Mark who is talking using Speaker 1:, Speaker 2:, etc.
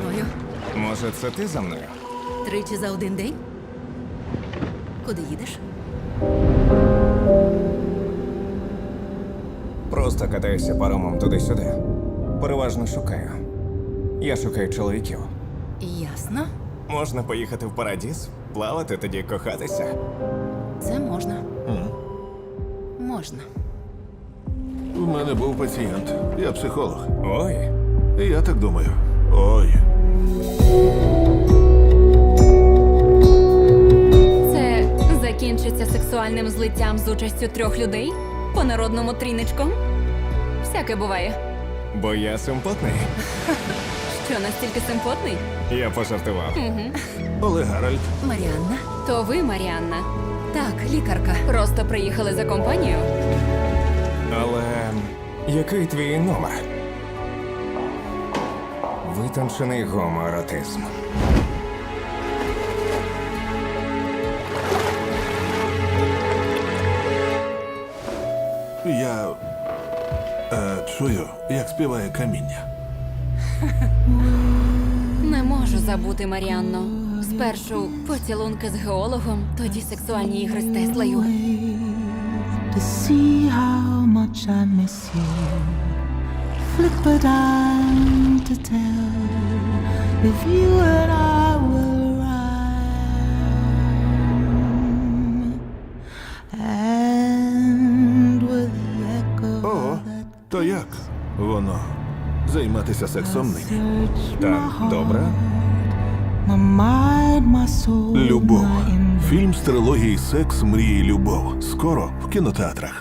Speaker 1: мною.
Speaker 2: Може, це ти за мною?
Speaker 1: Тричі за один день? Куди їдеш?
Speaker 2: Просто катаюся паромом туди-сюди. Переважно шукаю. Я шукаю чоловіків.
Speaker 1: Ясно.
Speaker 2: Можна поїхати в Парадіз, плавати, тоді кохатися.
Speaker 1: Це можна. Можна.
Speaker 3: У мене був пацієнт. Я психолог.
Speaker 2: Ой,
Speaker 3: І я так думаю. Ой.
Speaker 4: Це закінчиться сексуальним злиттям з участю 3 людей? По-народному тріничком? Всяке буває.
Speaker 2: бо я симпотний.
Speaker 4: Що, настільки симпотний?
Speaker 2: Я пожартував.
Speaker 3: Олег Гаральд.
Speaker 1: Маріанна?
Speaker 4: То ви, Маріанна,
Speaker 1: Так, лікарка.
Speaker 4: просто приїхали за компанію?
Speaker 2: Але який твій номер? Витончений гомоеротизм.
Speaker 3: Я чую, як співає каміння.
Speaker 4: Не можу забути, Маріанно. Спершу поцілунки з геологом, тоді сексуальні ігри з Теслою.
Speaker 5: To see how much I miss you. Flip a dime to tell if you and I will rhyme. And with the echo
Speaker 3: Ого,
Speaker 5: that
Speaker 3: то як воно займатися сексом нині?
Speaker 5: search
Speaker 2: Так,
Speaker 5: my
Speaker 2: добре.
Speaker 5: my mind, my soul,
Speaker 3: Любов.
Speaker 5: my
Speaker 3: Фільм з трилогії Секс, мрії, любов. Скоро в кінотеатрах.